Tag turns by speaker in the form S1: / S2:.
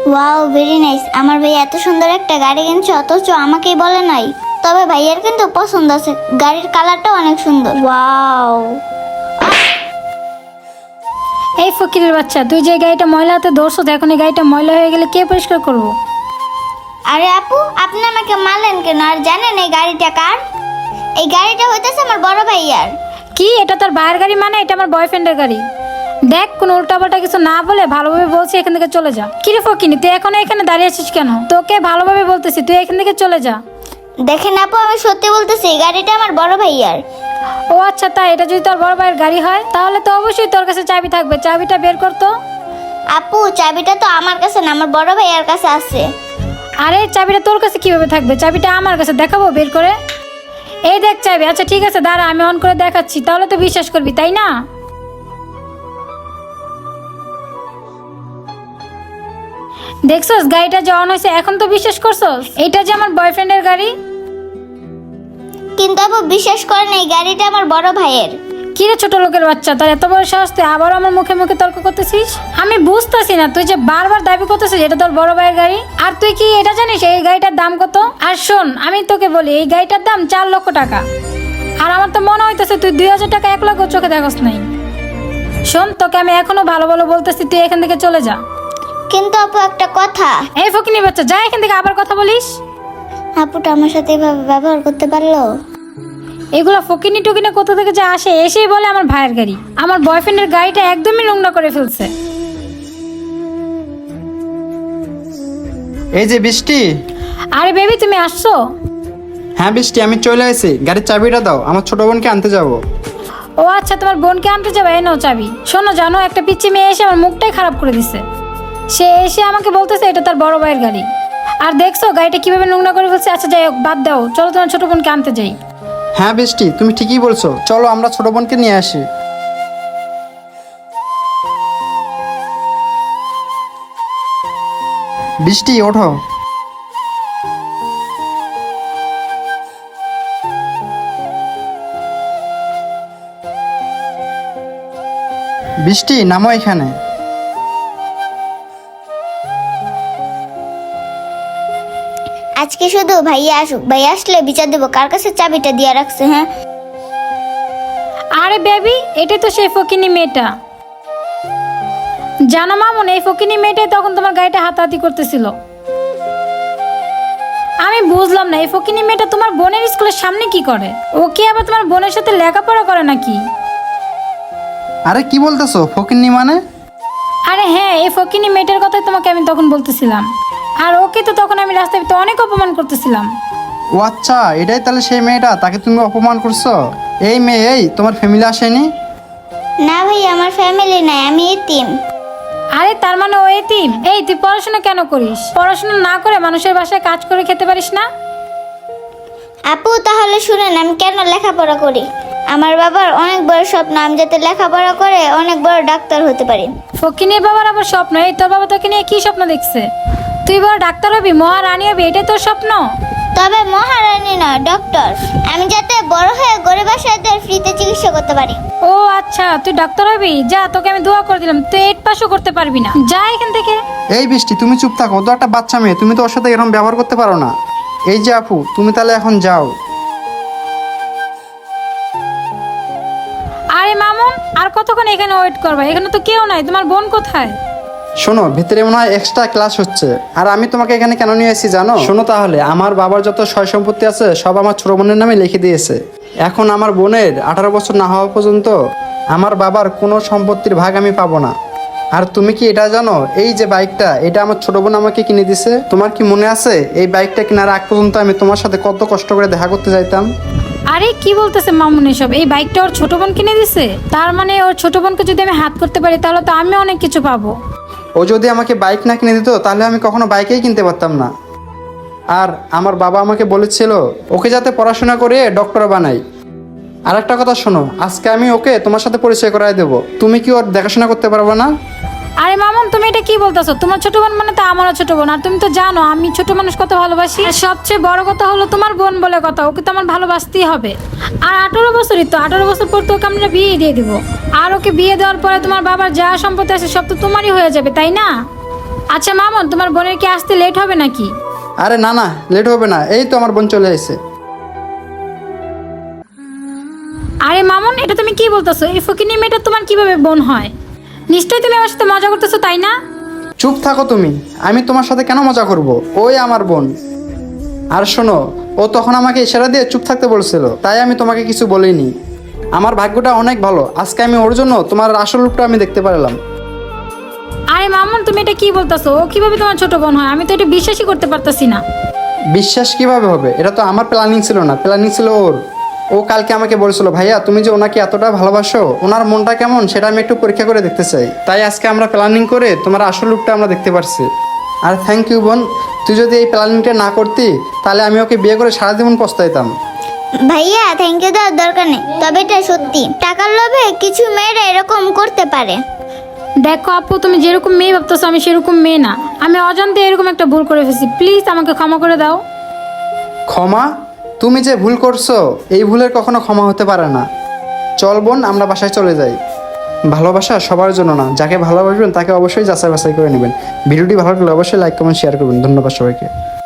S1: Wow, very nice. আমার ভাই এত সুন্দর একটা গাড়ি কিনছে অথচ আমাকেই বলে নাই। তবে ভাইয়ের কিন্তু পছন্দ আছে, গাড়ির কালারটা অনেক সুন্দর। ওয়াও।
S2: এই ফকিরের বাচ্চা, তুই যে গাড়িটা ময়লা হাতে ধরছো, এখন এই গাড়িটা ময়লা হয়ে গেলে কে পরিষ্কার করবো?
S1: আরে আপু, আপনি আমাকে মারলেন কেন? আর জানেন এই গাড়িটা কার? এই গাড়িটা হইতেছে আমার বড় ভাইয়ার।
S2: কি, এটা তোর ভাইয়ের গাড়ি? মানে এটা আমার বয়ফ্রেন্ডের গাড়ি। দেখ, কোনো উল্টাপাল্টা কিছু না বলে ভালোভাবে বলছি এখান থেকে চলে যা। কিরে ফকিনি, তুই এখনো এখানে দাঁড়িয়ে আছিস কেন? তোকে ভালোভাবে বলতেছি, তুই এখান থেকে চলে যা।
S1: দেখেন আপু, আমি সত্যি বলতেছি এই গাড়িটা আমার বড় ভাইয়ার।
S2: ও আচ্ছা, তাই? এটা যদি তোর বড় ভাইয়ের গাড়ি হয় তাহলে তো অবশ্যই তোর কাছে চাবি থাকবে, চাবিটা বের করতো।
S1: আপু, চাবিটা তো আমার কাছে না, আমার বড় ভাইয়ার কাছে আছে।
S2: আরে চাবিটা তোর কাছে কিভাবে থাকবে? চাবিটা আমার কাছে, দেখাবো বের করে। এই দেখ চাবি। আচ্ছা ঠিক আছে, দাঁড়া আমি অন করে দেখাচ্ছি, তাহলে তো বিশ্বাস করবি, তাই না? দেখছস গাড়িটা যে অন হয়েছে, এখন তো বিশ্বাস করছস এটা যে আমার বয়ফ্রেন্ডের গাড়ি।
S1: কিন্তু আপু বিশ্বাস করেন, এই গাড়িটা আমার বড় ভাইয়ের।
S2: কিরে ছোট লোকের বাচ্চা, তোর এত বড় সাহস, তুই আবার আমার মুখে মুখে তর্ক করতেছিস? আমি বুঝতেছি না, তুই যে বারবার দাবি করতেছিস এটা তোর বড় ভাইয়ের গাড়ি, আর তুই কি এটা জানিস এই গাড়িটার দাম কত? আর শোন, আমি তোকে বলি এই গাড়িটার দাম 4 লক্ষ টাকা। আর আমার তো মনে হইতেছে তুই 2000 টাকা 1 লক্ষ চোখে দেখস নাই। শোন, তোকে আমি এখনো ভালো ভালো বলতেছি, তুই এখান থেকে চলে যা।
S1: কিন্তু আপু একটা কথা।
S2: এই ফকিনি বাচ্চা, যা এখান থেকে, আবার কথা বলিস।
S1: আপুটা আমার সাথে এভাবে ব্যবহার করতে পারলো?
S2: এগুলো ফকিনি টুকিনি কোথা থেকে যে আসে, এসেই বলে আমার ভাইয়ের গাড়ি। আমার বয়ফ্রেন্ডের গাড়িটা একদমই নোংরা করে ফেলছে।
S3: এই যে বৃষ্টি।
S2: আরে বেবি, তুমি আসছো?
S3: হ্যাঁ বৃষ্টি, আমি চলে আসি। গাড়ির চাবিটা দাও, আমার ছোট বোনকে আনতে যাব।
S2: ও আচ্ছা, তোমার বোনকে আনতে যাবে, এই নাও চাবি। শোনো, জানো একটা পিচ্চি মেয়ে এসে আমার মুখটাই খারাপ করে দিছে। সে এসে আমাকে বলতেছে এটা তার বড় ভাইয়ের গাড়ি। আর দেখছো গাড়িটা কিভাবে নোংরা করে ফেলছে। আচ্ছা যাই হোক, বাদ দাও, চলো তোমার ছোট বোনকে আনতে যাই।
S3: হ্যাঁ বৃষ্টি, তুমি ঠিকই বলছো, চলো আমরা ছোট বোনকে নিয়ে আসি। বৃষ্টি ওঠো। বৃষ্টি নামো এখানে।
S1: আজকে শুধু ভাইয়া আসুক, ভাইয়া আসলে বিচার দেবো কার কাছে চাবিটা দিয়ে রাখছে। হ্যাঁ
S2: আরে বেবি, এটা তো সেই ফকিনি মেয়েটা। জানো মামুন, এই ফকিনি মেয়েটাই তখন তোমার গাড়িটা হাতাহাতি করতেছিল। আমি বুঝলাম না, এই ফকিনি মেয়েটা তোমার বোনের স্কুলের সামনে কি করে? ও কি আবার তোমার বোনের সাথে লেখাপড়া করে নাকি?
S3: আরে কি বলতেছো ফকিন্নি মানে?
S2: আরে হ্যাঁ, এই ফকিনি মেয়েটার কথাই তোমাকে আমি তখন বলতেছিলাম। আর ওকে তো তখন আমি রাস্তায় তো অনেক অপমান করতেছিলাম।
S3: ও আচ্ছা, এটাই তাহলে সেই মেয়েটা, তাকে তুমি অপমান করছো? এই মেয়ে, এই তোমার ফ্যামিলি আসেনি?
S1: না ভাই, আমার ফ্যামিলি নাই, আমি এতিম।
S2: আরে তার মানে ও এতিম? এই তুই পড়াশোনা কেন করিস? পড়াশোনা না করে মানুষের বাসায় কাজ করে খেতে পারিস না?
S1: আপু তাহলে শুনেন, আমি কেন লেখাপড়া করি। আমার বাবার অনেক বড় স্বপ্ন, আমি যাতে লেখাপড়া করে অনেক বড় ডাক্তার হতে পারি।
S2: ফকিনের বাবার আবার স্বপ্ন? এই তোর বাবা তোকে নিয়ে কি স্বপ্ন দেখছে? তুই বড় ডাক্তার হবি, মহারানী হবি, এটাই তোর স্বপ্ন?
S1: তবে মহারানী না, ডক্টর। আমি যাতে বড় হয়ে গরিব বাসাদের ফ্রিতে চিকিৎসা করতে পারি।
S2: ও আচ্ছা, তুই ডাক্তার হবি? যা, তোকে আমি দোয়া করে দিলাম, তুই 8 পাসও করতে পারবি না, যা এখান থেকে।
S3: এই বৃষ্টি, তুমি চুপ থাকো, ও তো একটা বাচ্চা মেয়ে, তুমি তো ওর সাথে এরকম ব্যবহার করতে পারো না। এই যে আপু, তুমি তাহলে এখন যাও।
S2: আরে মামুন, আর কতক্ষণ এখানে ওয়েট করবা? এখানে তো কেউ নাই, তোমার বোন কোথায়?
S3: শোনো, ভিতরে মনে হয় এক্সট্রা ক্লাস হচ্ছে। আর আমি তোমাকে এখানে কেন নিয়ে এসেছি জানো? শোনো তাহলে, আমার বাবার যত সয় সম্পত্তি আছে সব আমার ছোট বোনের নামে লিখে দিয়েছে। এখন আমার বোনের 18 বছর না হওয়া পর্যন্ত আমার বাবার কোনো সম্পত্তির ভাগ আমি পাবো না। আর তুমি কি এটা জানো, এই যে বাইকটা, এটা আমার ছোট বোন আমাকে কিনে দিছে। তোমার কি মনে আছে এই বাইকটা কেনার আগ পর্যন্ত আমি তোমার সাথে কত কষ্ট করে দেখা করতে যাইতাম?
S2: আরে কি বলতেছে মামুন এসব? এই বাইকটা ওর ছোট বোন কিনে দিছে? তার মানে ওর ছোট বোনকে যদি আমি হাত করতে পারি তাহলে তো আমি অনেক কিছু পাবো।
S3: ও যদি আমাকে বাইক না কিনে দিত তাহলে আমি কখনো বাইকেই কিনতে পারতাম না। আর আমার বাবা আমাকে বলেছিল ওকে যাতে পড়াশোনা করে ডক্টর বানাই। আর একটা কথা শোনো, আজকে আমি ওকে তোমার সাথে পরিচয় করায় দেবো। তুমি কি ওর দেখাশোনা করতে পারবে না?
S2: আরে মামুন, তুমি এটা কি বলতেছো? তোমার ছোট বোন মানে তো আমারও ছোট বোন, আর তুমি তো জানো আমি ছোট মানুষ কত ভালোবাসি। আর সবচেয়ে বড় কথা হলো তোমার বোন বলে কথা, ওকে তো আমার ভালোবাসতেই হবে। আর 18 বছরই তো, 18 বছর পর তো ওকে আমরা বিয়ে দিয়ে দিব। আর ওকে বিয়ে দেওয়ার পরে তোমার বাবার যা সম্পত্তি আছে সব তো তোমারই হয়ে যাবে, তাই না? আচ্ছা মামুন, তোমার বোনের কি আসতে লেট হবে নাকি?
S3: আরে না না, লেট হবে না, এই তো আমার বোন চলে এসেছে।
S2: আরে মামুন, এটা তুমি কি বলতেছো? এই ফকিনি মেয়েটা তোমার কিভাবে বোন হয়? নিশ্চয়ই তুমি আমার সাথে মজা করতেছো, তাই না?
S3: চুপ থাকো তুমি, আমি তোমার সাথে কেন মজা করব? ওই আমার বোন। আর শোনো, ও তখন আমাকে ইশারা দিয়ে চুপ থাকতে বলছিল, তাই আমি তোমাকে কিছু বলিনি। আমার ভাগ্যটা অনেক ভালো, আজকে আমি ওর জন্য তোমার আসল রূপটা আমি দেখতে পারলাম।
S2: আরে মামুন, তুমি এটা কি বলতেছো? ও কিভাবে তোমার ছোট বোন হয়? আমি তো এটা বিশ্বাসই করতে পারতাছি না।
S3: বিশ্বাস কিভাবে হবে? এটা তো আমার প্ল্যানিং ছিল না, প্ল্যানিং ছিল ওর। ও কালকে আমাকে বলেছিল, ভাইয়া তুমি যে ওনাকে এতটা ভালোবাসো, ওনার মনটা কেমন সেটা আমি একটু পরীক্ষা করে দেখতে চাই। তাই আজকে আমরা প্ল্যানিং করে তোমার আসল রূপটা আমরা দেখতে পারছি। আর থ্যাংক ইউ বোন, তুই যদি এই প্ল্যানিংটা না করতি তাহলে আমি ওকে বিয়ে করে সারা জীবন পস্তাইতাম।
S1: ভাইয়া থ্যাংক ইউ দেওয়ার দরকার নেই, তবে এটা সত্যি টাকার লোভে কিছু মেয়েরা এরকম করতে পারে।
S2: দেখো আপু, তুমি যেরকম মেয়ে ভাবতেছো আমি সেরকম মেয়ে না। আমি অজান্তে এরকম একটা ভুল করে ফেলছি, প্লিজ আমাকে ক্ষমা করে দাও।
S3: ক্ষমা? তুমি যে ভুল করছো এই ভুলের কখনো ক্ষমা হতে পারে না। চল বোন, আমরা বাসায় চলে যাই। ভালোবাসা সবার জন্য না, যাকে ভালোবাসবেন তাকে অবশ্যই যাচাই বাছাই করে নেবেন। ভিডিওটি ভালো লাগলে অবশ্যই লাইক কমেন্ট শেয়ার করবেন। ধন্যবাদ সবাইকে।